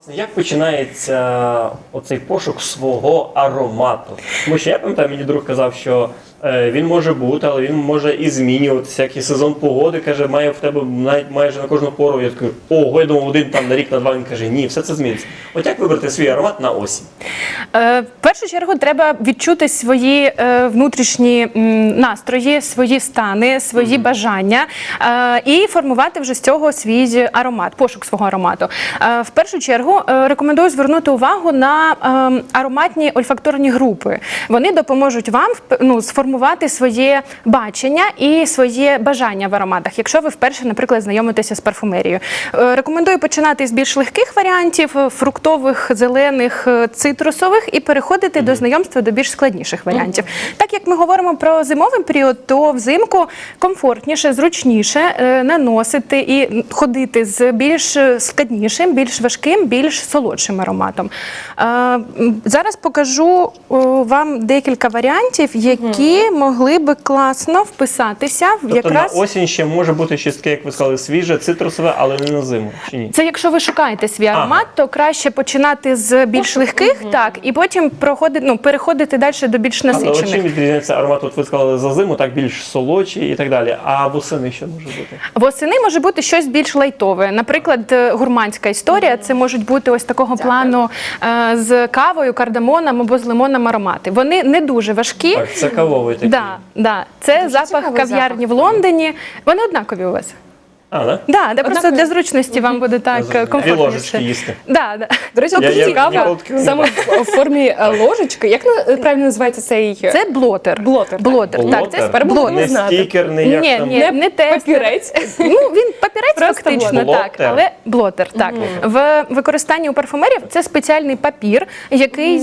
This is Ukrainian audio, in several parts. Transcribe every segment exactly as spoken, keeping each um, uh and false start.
Як починається оцей пошук свого аромату? Тому що я пам'ятаю, мені друг казав, що е, він може бути, але він може і змінюватися, як і сезон погоди, каже, має в тебе навіть майже на кожну пору. Я такий, ого, я думав, один там на рік, на два, він каже, ні, все це зміниться. От як вибрати свій аромат на осінь? Е, в першу чергу треба відчути свої е, внутрішні м, настрої, свої стани, свої mm-hmm. бажання е, і формувати вже з цього свій аромат, пошук свого аромату. Е, в першу чергу е, рекомендую звернути увагу на е, ароматні ольфакторні групи. Вони допоможуть вам ну, сформувати своє бачення і своє бажання в ароматах, якщо ви вперше, наприклад, знайомитеся з парфумерією. Е, рекомендую починати з більш легких варіантів, фруктових, зелених, цитрусових, і переходити mm-hmm. до знайомства до більш складніших варіантів. Mm-hmm. Так як ми говоримо про зимовий період, то взимку комфортніше, зручніше е, наносити і ходити з більш складнішим, більш важким, більш солодшим ароматом. Е, зараз покажу е, вам декілька варіантів, які mm-hmm. могли би класно вписатися в тобто якраз... на осінь ще може бути щось таке, як ви сказали, свіже, цитрусове, але не на зиму, чи ні? Це якщо ви шукаєте свій аромат, ага. то краще починати з більш легких, mm-hmm. так, і потім проходити, ну, переходити далі до більш насичених. Але чим відрізняється аромат, от ви сказали, за зиму, так більш солодший і так далі, а восени що може бути? Восени може бути щось більш лайтове. Наприклад, гурманська історія, mm-hmm. це можуть бути ось такого Дякую. плану е, з кавою, кардамоном або з лимоном аромати. Вони не дуже важкі. Так, це кавовий такий. Да, да. Це дуже запах кав'ярні в Лондоні. Вони однакові у вас. А, да? Да, да, просто для зручності вам буде так комфортніше. Дві ложечки їсти. Да, да. До речі, я, цікаво, я саме в формі ложечки. Як правильно називається цей? Це блотер. Блотер. Блотер. Блотер. Так, це тепер блотер. Не стікер, не як ні, там. Ні, не, не тестер. Папірець. Ну, він папірець Просто фактично, блотер. так, але блотер, так. Mm. В використанні у парфумерів це спеціальний папір, який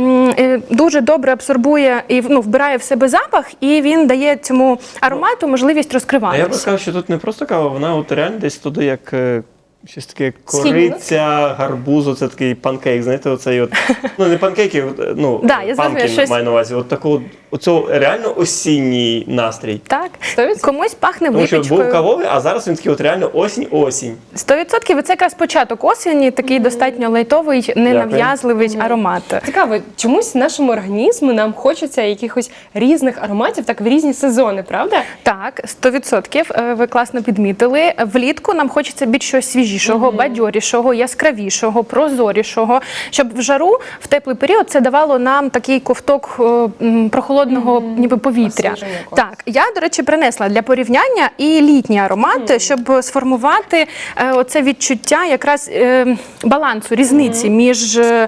mm. дуже добре абсорбує і ну, вбирає в себе запах, і він дає цьому аромату можливість розкриватися. Я би сказав, що тут не просто кава, вона от реально десь туди як щось таке кориця, гарбузу, це такий панкейк, знаєте, оцей от, ну не панкейки, ну, да, я панкейк щось... маю на увазі, от такого, оцього реально осінній настрій. Так, комусь пахне Тому випічкою. що був кавовий, а зараз він такий от реально осінь-осінь. Сто відсотків, це якраз початок осені, такий mm-hmm. достатньо лайтовий, ненав'язливий mm-hmm. аромат. Цікаво, чомусь нашому організму нам хочеться якихось різних ароматів, так в різні сезони, правда? Так, сто відсотків, ви класно підмітили. Влітку нам хочеться більш щось свіжішого, mm-hmm. бадьорішого, яскравішого, прозорішого, щоб в жару, в теплий період це давало нам такий ковток м, прохолодного mm-hmm. ніби повітря. Так, я, до речі, принесла для порівняння і літній аромат, mm-hmm. щоб сформувати е, оце відчуття якраз е, балансу, різниці mm-hmm. між е,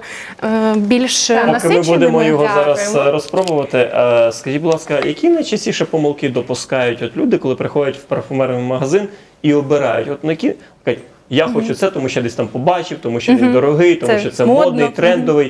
більш Поки насиченими. ми будемо його Дякуємо. зараз розпробувати, е, скажіть, будь ласка, які найчастіше помилки допускають от люди, коли приходять в парфумерний магазин і обирають? От на які кажуть, я mm-hmm. хочу це, тому що я десь там побачив, тому що mm-hmm. він дорогий, тому це що це модно. модний, трендовий. Mm-hmm.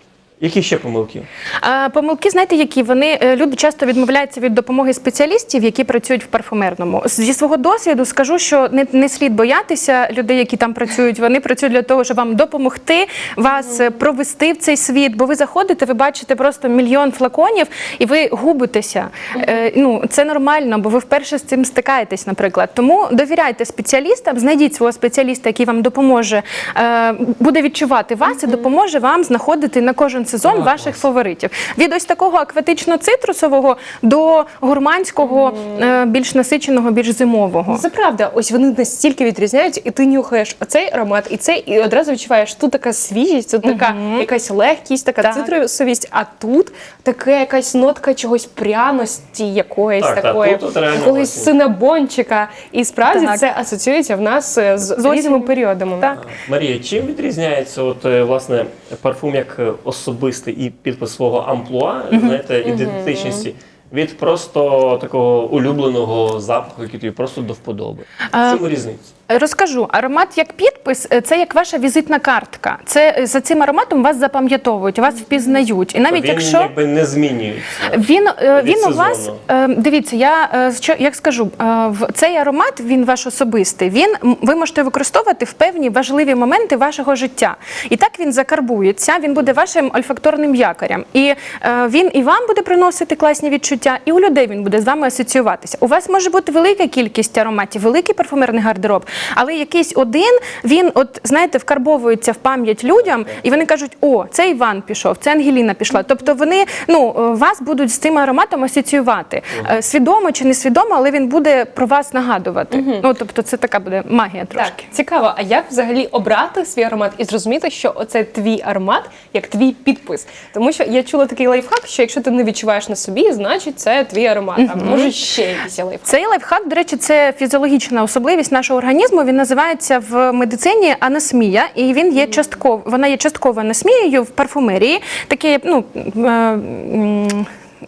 Які ще помилки? А, помилки, знаєте, які? Вони, люди часто відмовляються від допомоги спеціалістів, які працюють в парфумерному. Зі свого досвіду скажу, що не, не слід боятися людей, які там працюють. Вони працюють для того, щоб вам допомогти, вас mm-hmm. провести в цей світ. Бо ви заходите, ви бачите просто мільйон флаконів, і ви губитеся. Mm-hmm. Е, ну, це нормально, бо ви вперше з цим стикаєтесь, наприклад. Тому довіряйте спеціалістам, знайдіть свого спеціаліста, який вам допоможе, е, буде відчувати вас mm-hmm. і допоможе вам знаходити на кожен сезон а, ваших клас. фаворитів. Від ось такого акватично-цитрусового до гурманського, mm. більш насиченого, більш зимового. Це правда. Ось вони настільки відрізняються, і ти нюхаєш оцей аромат, і цей, і одразу відчуваєш, тут така свіжість, тут така mm-hmm. якась легкість, така так. цитрусовість, а тут така якась нотка чогось пряності якоїсь так, такої, так, якогось синабончика. І справді так. це асоціюється в нас з, з різними періодами. Так. Марія, чим відрізняється от, власне, парфум як особистий і підпис свого амплуа, mm-hmm. знаєте, ідентичності, mm-hmm. від просто такого улюбленого запаху, який тобі просто до вподоби? В чому різниця? Розкажу. Аромат як підпис – це як ваша візитна картка. Це за цим ароматом вас запам'ятовують, вас впізнають. І навіть він якщо якби не змінюється. Він він сезону. у вас дивіться. Я що як скажу, в цей аромат він ваш особистий. Він ви можете використовувати в певні важливі моменти вашого життя. І так він закарбується. Він буде вашим ольфакторним якорем. І він і вам буде приносити класні відчуття, і у людей він буде з вами асоціюватися. У вас може бути велика кількість ароматів, великий парфумерний гардероб. Але якийсь один, він, от знаєте, вкарбовується в пам'ять людям, і вони кажуть: о, це Іван пішов, це Ангеліна пішла. Тобто вони, ну, вас будуть з цим ароматом асоціювати. Е, Свідомо чи несвідомо, але він буде про вас нагадувати. Ну, тобто це така буде магія трошки. Так, цікаво, а як взагалі обрати свій аромат і зрозуміти, що оце твій аромат, як твій підпис? Тому що я чула такий лайфхак, що якщо ти не відчуваєш на собі, значить це твій аромат. А може ще якийсь є лайфхак? Цей лайфхак, до речі, це фізіологічна особливість нашого організму. Він називається в медицині анасмія, і він є частково, вона є частково анасмією в парфумерії. Таке, ну, е, м,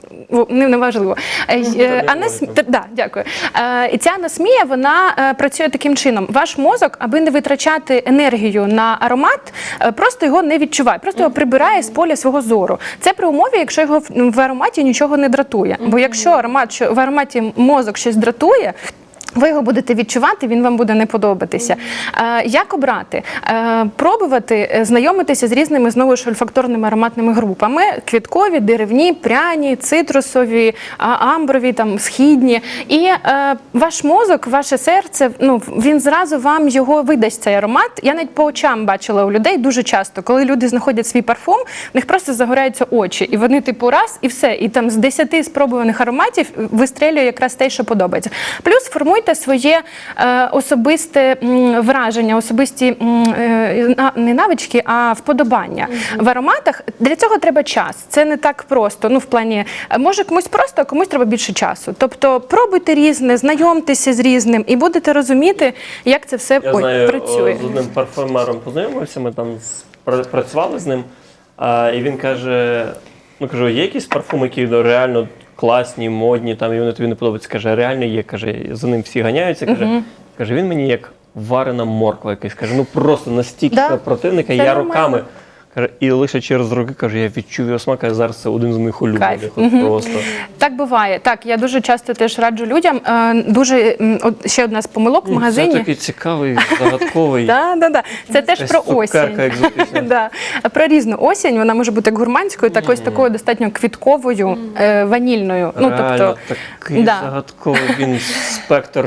Не, не важливо. Е, Анас... Т- Да, дякую. Е, І ця анасмія, вона е, працює таким чином. Ваш мозок, аби не витрачати енергію на аромат, е, просто його не відчуває, просто його прибирає з поля свого зору. Це при умові, якщо його в, в ароматі нічого не дратує. Бо якщо аромат, що в ароматі мозок щось дратує, ви його будете відчувати, він вам буде не подобатися. Е, як обрати? Е, пробувати е, знайомитися з різними, знову ж, ольфакторними ароматними групами. Квіткові, деревні, пряні, цитрусові, а, амброві, там, східні. І е, ваш мозок, ваше серце, ну, він зразу вам його видасть, цей аромат. Я навіть по очам бачила у людей дуже часто, коли люди знаходять свій парфум, в них просто загоряються очі. І вони типу раз, і все. І там з десяти спробуваних ароматів вистрелює якраз те, що подобається. Плюс формуйте своє е, особисте м, враження, особисті м, е, на- не навички, а вподобання. В ароматах для цього треба час. Це не так просто. Ну, в плані, е, може комусь просто, а комусь треба більше часу. Тобто пробуйте різне, знайомтеся з різним і будете розуміти, як це все Я ой, знаю, працює. о, з одним парфюмером познайомився, ми там з- пра- працювали з ним, а, і він каже, ну кажу, є якісь парфуми, які ну, реально класні, модні, там, і вони тобі не подобаються. Каже, реально є, каже, за ним всі ганяються. Каже, uh-huh. каже, він мені як варена морква якась. Каже, ну просто настільки Да. противника, Це я нормально. роками. Каже, і лише через роки, каже, я відчув його смак, а зараз це один з моїх улюблених. Кайф. От просто. Так буває. Так, я дуже часто теж раджу людям. Е, дуже м, от ще одна з помилок в Це магазині. такий цікавий, загадковий. Да, да, да. Це теж Якась про цукерка осінь. екзотична. Да. Про різну осінь. Вона може бути як гурманською, так ось такою достатньо квітковою, е, ванільною. Ну, Реально, тобто, такий да. загадковий він спектр.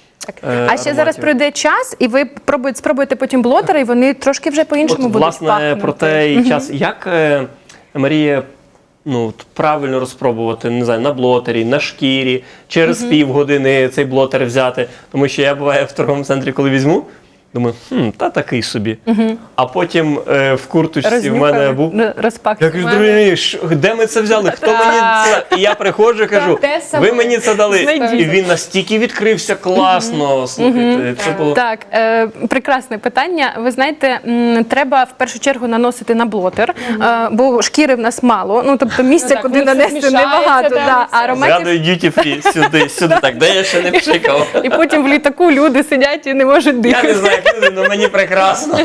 е, А ще зараз ароматів. пройде час, і ви пробуєте, спробуєте потім блотери, і вони трошки вже по-іншому От, будуть власне, пахнути. про те і час. Як, е, Марія, ну, от правильно розпробувати, не знаю, на блотері, на шкірі, через півгодини цей блотер взяти? Тому що я буваю в торговому центрі, коли візьму, думаю, хм, та такий собі. А потім е, в курточці в мене був. Ну, розпак. Я кажу, друзі, що- де ми це взяли? Хто мені це? І я приходжу і кажу, те саме. ви мені це дали. Знайдіть. І він настільки відкрився класно. Слухайте, це було. Так, е, прекрасне питання. Ви знаєте, м, треба в першу чергу наносити на блотер, е, бо шкіри в нас мало. Ну, тобто місця, так, куди воно все нанести, змішається, небагато. да, Да. все. А ароматів... Згадую duty free, сюди, сюди. Так, де я ще не пшикав? І потім в літаку люди сидять і не можуть Я не дихати. знаю, як люди, але мені прекрасно.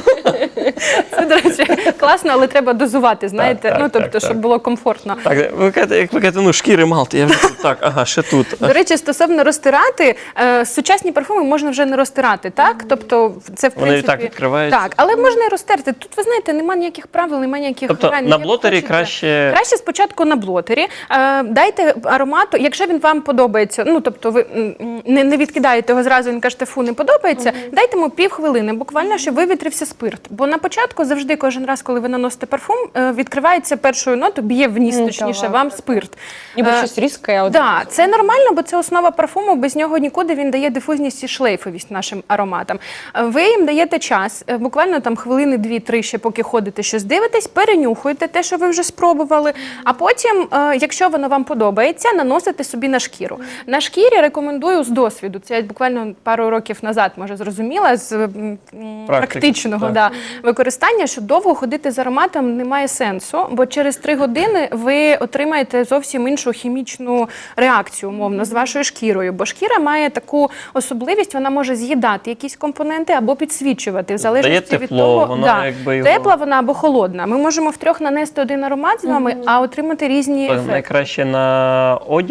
Це, до речі, класно, але треба дозувати, знаєте, Так, так, ну, тобто, так, щоб так. було комфортно. Так, ви кажете, як ви кажете, ну шкіри мало, то я вже тут, так, ага, ще тут. До речі, стосовно розтирати, е, сучасні парфуми можна вже не розтирати, так? Тобто це, в Вони і принципі... так відкриваються. Так, але можна і розтерти. Тут, ви знаєте, немає ніяких правил, немає ніяких Тобто грань, на як блотері хочете. краще... Краще спочатку на блотері. Е, дайте аромату, якщо він вам подобається, ну, тобто ви м, не, не відкидаєте його зразу і не кажете, фу, не подобається, дайте йому півхвилини, буквально, щоб вивітрився спирт. Бо на початку завжди, кожен раз, коли ви наносите парфум, е, відкривається першою нотою, б'є в ніс, Ну, точніше, так, вам так, спирт. Ніби Е, щось різке. от- Да, це нормально, бо це основа парфуму, без нього нікуди, він дає дифузність і шлейфовість нашим ароматам. Ви їм даєте час, е, буквально там хвилини дві-три ще поки ходите, щось дивитесь, перенюхуєте те, що ви вже спробували, а потім, е, якщо воно вам подобається, наносите собі на шкіру. На шкірі рекомендую з досвіду, це я буквально пару років назад, може, зрозуміла, з м, м, практичного так. да, використання, що довго ходити з ароматом немає сенсу, бо через три години ви отримаєте зовсім іншу хімічну реакцію, умовно, з вашою шкірою. Бо шкіра має таку особливість, вона може з'їдати якісь компоненти або підсвічувати, в залежності Дає від тепло, того, вона да, якби його- тепла вона або холодна. Ми можемо втрьох нанести один аромат з вами, а отримати різні Так, ефекти. найкраще на одяг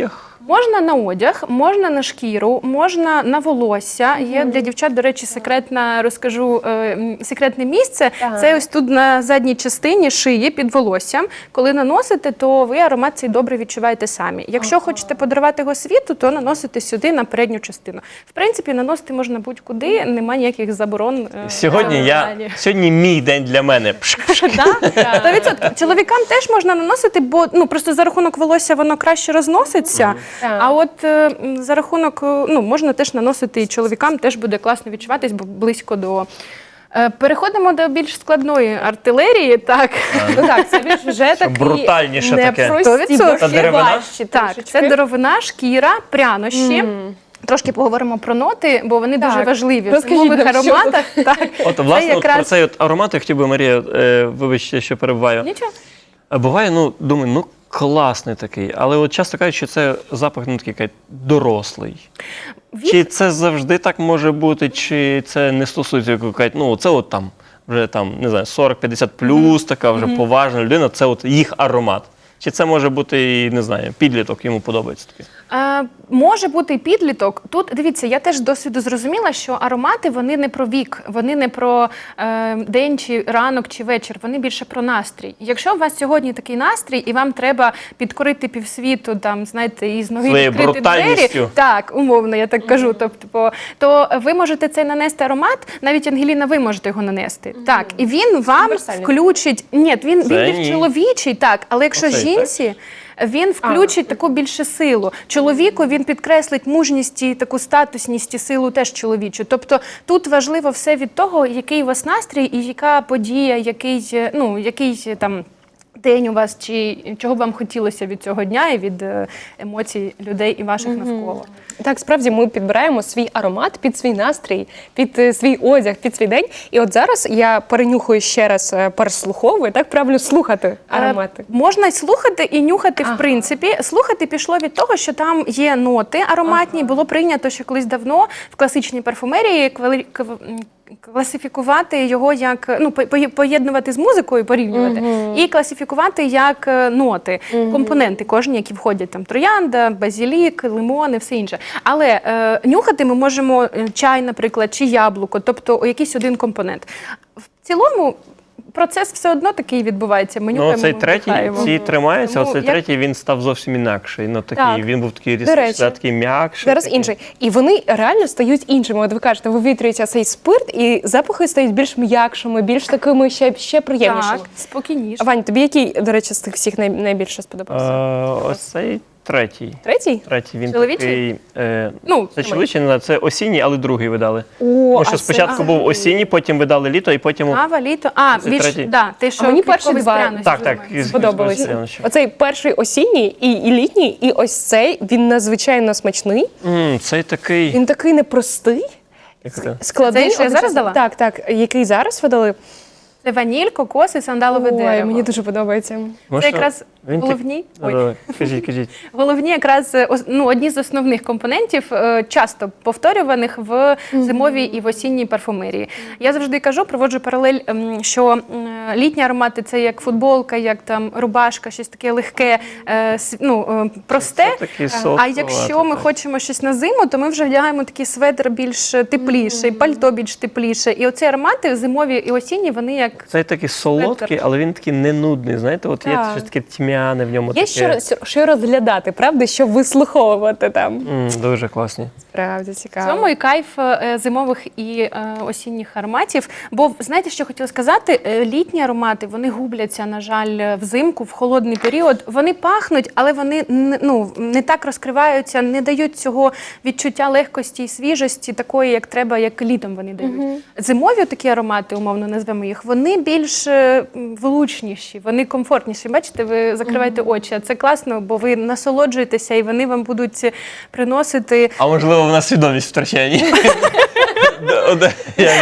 Можна на одяг, можна на шкіру, можна на волосся. Є для дівчат, до речі, секретна, розкажу, е, м, секретне місце. Так. Це ось тут на задній частині шиї під волоссям. Коли наносите, то ви аромат цей добре відчуваєте самі. Якщо хочете подарувати його світу, то наносите сюди на передню частину. В принципі, наносити можна будь-куди, немає ніяких заборон. е, Сьогодні в я залі. сьогодні мій день для мене. Пш-пш. Так, сто відсотків. Чоловікам теж можна наносити, бо ну просто за рахунок волосся воно краще розноситься. Так. А от е, м, за рахунок, е, ну можна теж наносити і чоловікам, теж буде класно відчуватись, бо близько до. Е, Переходимо до більш складної артилерії. Так, Ну так, це більш вже такі брутальніше таке. непрості, Сто бо відсотків. ще Деревина? важчі так, трішечки. це деревина, шкіра, прянощі. Трошки поговоримо про ноти, бо вони дуже Так. важливі в Розкажіть зимових нам, що ароматах. Так, От, це власне, от якраз про цей от аромат я хотів би, Марія, е, вибачте, що перебуваю. нічого. А буває, ну, думаю, ну, класний такий, але от часто кажуть, що це запах, ну, такий, кажуть, дорослий. Від- Чи це завжди так може бути, чи це не стосується, як кажуть, ну, це от там, вже там, не знаю, сорок-п'ятдесят плюс, така вже поважна людина, це от їх аромат. Чи це може бути, і, не знаю, підліток, йому подобається такий? Е, може бути і підліток. Тут, дивіться, я теж з досвіду зрозуміла, що аромати, вони не про вік, вони не про е, день, чи ранок, чи вечір, вони більше про настрій. Якщо у вас сьогодні такий настрій, і вам треба підкорити півсвіту, там, знаєте, і з ноги Своєю відкрити двері, брутальністю. так, умовно, я так кажу, тобто, по- то ви можете цей нанести аромат, навіть, Ангеліна, ви можете його нанести. Так, і він вам Універсальний. включить, ні, він, він Це більш ні. чоловічий, так, але якщо Оцей, так? жінці, він включить таку більше силу. Чоловіку він підкреслить мужність і таку статусність і силу теж чоловічу. Тобто тут важливо все від того, який у вас настрій і яка подія, який, е, ну, який е, там день у вас, чи чого б вам хотілося від цього дня і від е, емоцій людей і ваших навколо. Так, справді ми підбираємо свій аромат під свій настрій, під е, свій одяг, під свій день. І от зараз я перенюхую ще раз, е, переслуховую, так правильно слухати аромати. Е, Можна й слухати і нюхати, в принципі. Слухати пішло від того, що там є ноти ароматні. Було прийнято, що колись давно в класичній парфумерії квали- кв- м, класифікувати його як, ну, по- по- поєднувати з музикою, порівнювати, і класифікувати як е, ноти, компоненти кожні, які входять, там троянда, базілік, лимони, все інше. Але е, нюхати ми можемо е, чай, наприклад, чи яблуко, тобто якийсь один компонент. В цілому процес все одно такий відбувається. Ми Ну, нюхаємо, цей ми третій, вдихаємо. ці тримаються, Тому а цей як- третій, він став зовсім інакший. Ну, такий, Так. він був такий До речі. різкий, такий м'якший. Зараз такий. інший. І вони реально стають іншими. От ви кажете, вивітрюється цей спирт, і запахи стають більш м'якшими, більш такими ще, ще приємнішими. Так, спокійніше. Вань, тобі який, до речі, з тих всіх най- найбільше сподобався? Е, ось цей третій. Третій? Третій, він Чоловічий? такий. Е, Ну, це чоловічий, не знаю, це осінній, але другий видали. О, Тому що а спочатку це- був осінній, потім видали літо, і потім. Кава, літо. А, Це більш, третій. да, ти що, А мені перші квітковий з два. пряності Так, так. називається. із- Сподобались. із- із- із- Оцей перший осінній і, і літній, і ось цей, він надзвичайно смачний. М, Цей такий. Він такий непростий, Як це? складний. Цей, що я зараз одночасно. дала? Так, так. Який зараз видали? Це ваніль, кокос і сандалове Ой, дерево. мені дуже подобається. Може, Це якраз він так- головні. Ой. Давай, Кажіть, кажіть. Головні якраз е, ос- ну, одні з основних компонентів, е, часто повторюваних в зимовій і в осінній парфумерії. Я завжди кажу, проводжу паралель, ем, що м, літні аромати це як футболка, як там рубашка, щось таке легке, е, с- ну, е, просте. Це такий А солодкуватий, якщо ми так. хочемо щось на зиму, то ми вже вдягаємо такий светр більш тепліший, пальто більш тепліше. І оці аромати зимові і осінні, вони як Цей такий солодкий, але він такий не нудний. Знаєте, от є Так. щось таке тьмяне в ньому. Є таке. що, роз- що розглядати, правда, що вислуховувати там. М, Дуже класні. Правда, В цікаво. цьому і кайф е, зимових і е, осінніх ароматів. Бо знаєте, що хотіла сказати? Е, Літні аромати вони губляться, на жаль, взимку, в холодний період. Вони пахнуть, але вони не- ну, не так розкриваються, не дають цього відчуття легкості і свіжості, такої, як треба, як літом вони дають. Зимові такі аромати, умовно назвемо їх, вони більш е, м, влучніші, вони комфортніші. Бачите, ви закриваєте очі. А це класно, бо ви насолоджуєтеся і вони вам будуть приносити. А можливо, в нас свідомість втрачає, ні? Да, да, я жартую.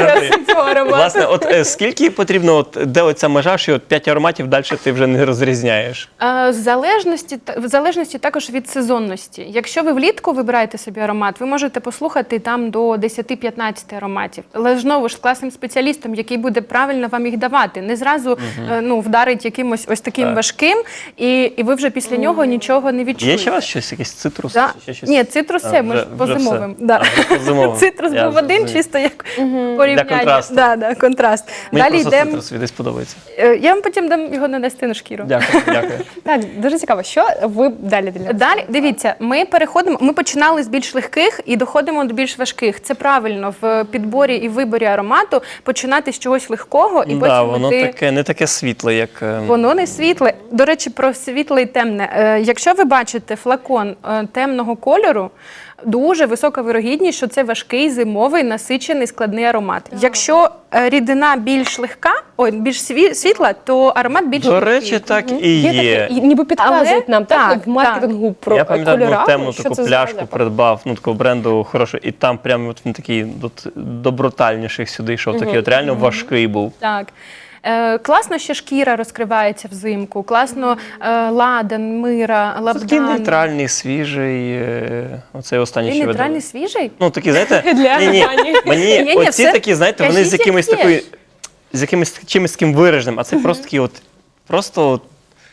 цього аромату. Власне, от е, скільки потрібно, от, де оця межа, що от п'ять ароматів далі ти вже не розрізняєш? Е, В залежності, та- в залежності також від сезонності. Якщо ви влітку вибираєте собі аромат, ви можете послухати там до десять-п'ятнадцять ароматів. Але знову ж з класним спеціалістом, який буде правильно вам їх давати. Не зразу е, ну, вдарить якимось ось таким Так. важким, і, і ви вже після нього нічого не відчуєте. Є ще у вас щось, якийсь цитрус? Да. Чи ще щось? Ні, цитрус А, це ми вже- ж по вже все. зимовим. Да. А, вже по зимовим. Цитрус Я був один, зрозумів. чисто як порівняння. Для контрасту. Да, да, контраст. Мені Далі просто йдемо. цитрус десь подобається. Е, Я вам потім дам його нанести на шкіру. Дякую, дякую. Так, дуже цікаво, що ви далі для нас? Далі дивіться, ми переходимо. Ми починали з більш легких і доходимо до більш важких. Це правильно в підборі і виборі аромату починати з чогось легкого і Да, потім воно йти- таке, не таке світле, як... е, Воно не світле. До речі, про світле і темне. Е, Якщо ви бачите флакон е, темного кольору, дуже висока вирогідність, що це важкий, зимовий, насичений, складний аромат. Якщо е, рідина більш легка, ой, більш сві- світла, то аромат більш До легкий. речі, так і Є є. таке, і ніби підказують Але- нам так, так, в маркетингу про Я пам'ятаю, кольорами, одну темну що таку це за пляшку запах. придбав, ну такого бренду хорошого, і там прямо от він такий от, до брутальніших сюди йшов, такий от реально важкий був. Так. Е, класно, що шкіра розкривається взимку, класно е, ладан, мира, Такий лабдан. нейтральний, свіжий, е, оцей останній, Він що ви нейтральний, дали. свіжий? Ну такі, знаєте, Для ні, ні, Ані. мені Ні-ні, оці все. такі, знаєте, вони з Кажіть, якимось як є. такою, з якимось чимось таким вираженим, а це просто такий от, просто от,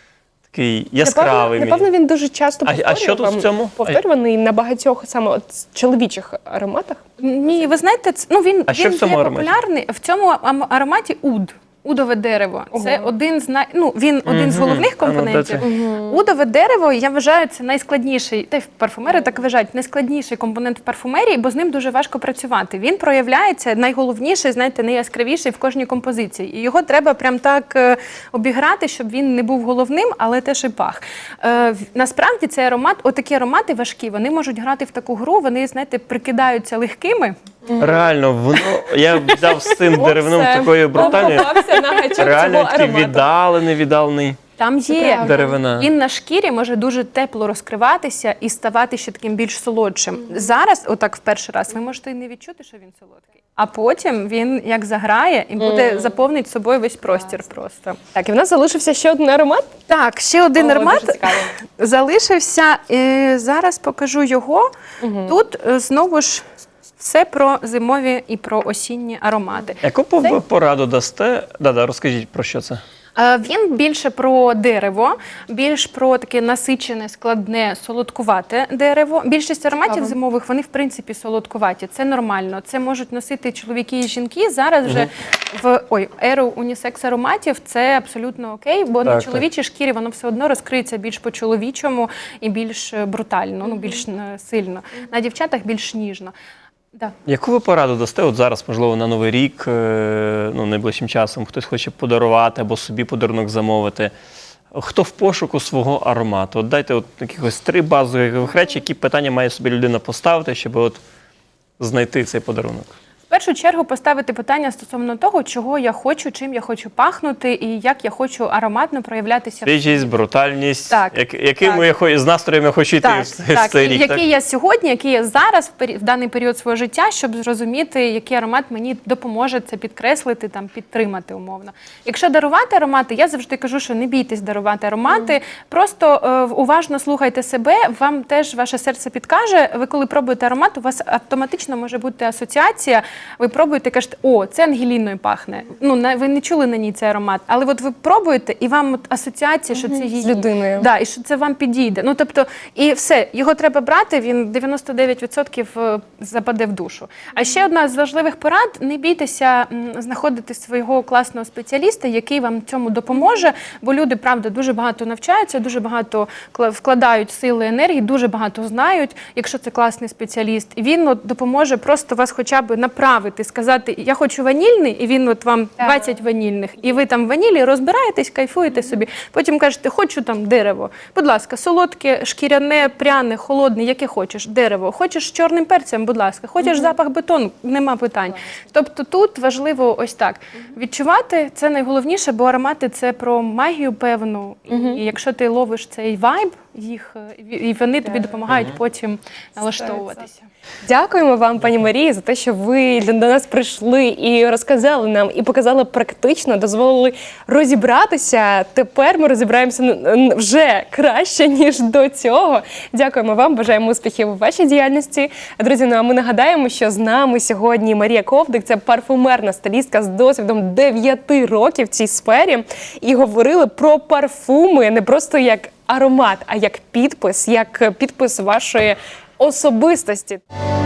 такий яскравий. Напевно, напевно, мені. він дуже часто А- а що тут повторював- в цьому? повторюваний на багатьох саме от чоловічих ароматах. Ні, ви знаєте, це- ну він, А що він в цьому є ароматі? популярний. В цьому ам- ароматі уд. Удове дерево. Це Ого. один з най... ну, він один з Мгм. головних А ну, де компонентів. це? Удове дерево, я вважаю, це найскладніший, та й парфумери так вважають, найскладніший компонент в парфумерії, бо з ним дуже важко працювати. Він проявляється найголовніший, знаєте, найяскравіший в кожній композиції. І його треба прям так е, обіграти, щоб він не був головним, але теж і пах. Е, в- насправді цей аромат, отакі аромати важкі, вони можуть грати в таку гру, вони, знаєте, прикидаються легкими. Реально, воно, я взяв з цим деревним Оце. такою брутальною, Попався на гачок реально цього такий аромату. віддалений, віддалений. Там є правда. Деревина. Він на шкірі може дуже тепло розкриватися і ставати ще таким більш солодшим. Зараз, отак в перший раз, ви можете і не відчути, що він солодкий. А потім він як заграє і буде заповнить собою весь простір просто. Так, і в нас залишився ще один аромат. Так, ще один О, аромат дуже цікаво. залишився. Е, зараз покажу його. Тут е, знову ж все про зимові і про осінні аромати. Яку пов- пораду дасте? Да-да, розкажіть, про що це? Е, Він більше про дерево, більш про таке насичене, складне, солодкувате дерево. Більшість ароматів Цікаво. зимових, вони в принципі солодкуваті. Це нормально. Це можуть носити чоловіки і жінки. Зараз вже в ой, еру унісекс ароматів це абсолютно окей, бо на Так, чоловічій шкірі воно все одно розкриється більш по-чоловічому і більш е, брутально, ну більш е, сильно. На дівчатах більш ніжно. Да. Яку ви пораду дасте от зараз, можливо, на Новий рік, е, ну, найближчим часом, хтось хоче подарувати або собі подарунок замовити? Хто в пошуку свого аромату? От дайте от якихось три базових речі, які питання має собі людина поставити, щоб от знайти цей подарунок. В першу чергу поставити питання стосовно того, чого я хочу, чим я хочу пахнути і як я хочу ароматно проявлятися. в Свіжість, брутальність, Так, як, яким так. я хо- з настроєм я хочу йти Так, в, цей- в так. цей І рік. який Так? я сьогодні, який я зараз в, пері- в даний період свого життя, щоб зрозуміти, який аромат мені допоможе це підкреслити, там підтримати умовно. Якщо дарувати аромати, я завжди кажу, що не бійтесь дарувати аромати, просто е, уважно слухайте себе, вам теж ваше серце підкаже. Ви коли пробуєте аромат, у вас автоматично може бути асоціація. Ви пробуєте, кажете, о, це ангеліною пахне. Ну на- ви не чули на ній цей аромат, але от ви пробуєте, і вам от асоціація, що це її. З людиною. Да, і що це вам підійде. Ну тобто, і все, його треба брати. Він дев'яносто дев'ять відсотків е, западе в душу. А ще одна з важливих порад: не бійтеся м, знаходити свого класного спеціаліста, який вам в цьому допоможе. Бо люди, правда, дуже багато навчаються, дуже багато кла- вкладають сили, енергії, дуже багато знають, якщо це класний спеціаліст. І він от, допоможе просто вас хоча б направити, сказати, я хочу ванільний, і він от вам двадцять ванільних, і ви там в ванілі розбираєтесь, кайфуєте собі. Потім кажете, хочу там дерево. Будь ласка, солодке, шкіряне, пряне, холодне, яке хочеш, дерево. Хочеш з чорним перцем, будь ласка. Хочеш запах бетону, нема питань. Тобто тут важливо ось так. Відчувати це найголовніше, бо аромати це про магію певну. І якщо ти ловиш цей вайб, їх, е, і вони тобі допомагають потім налаштовуватися. Дякуємо вам, пані Марії, за те, що ви до нас прийшли і розказали нам, і показали практично, дозволили розібратися. Тепер ми розібраємося н- вже краще, ніж до цього. Дякуємо вам, бажаємо успіхів у вашій діяльності. Друзі, ну а ми нагадаємо, що з нами сьогодні Марія Ковдик, це парфумерна стилістка з досвідом дев'яти років в цій сфері. І говорили про парфуми не просто як аромат, а як підпис, як підпис вашої особистості.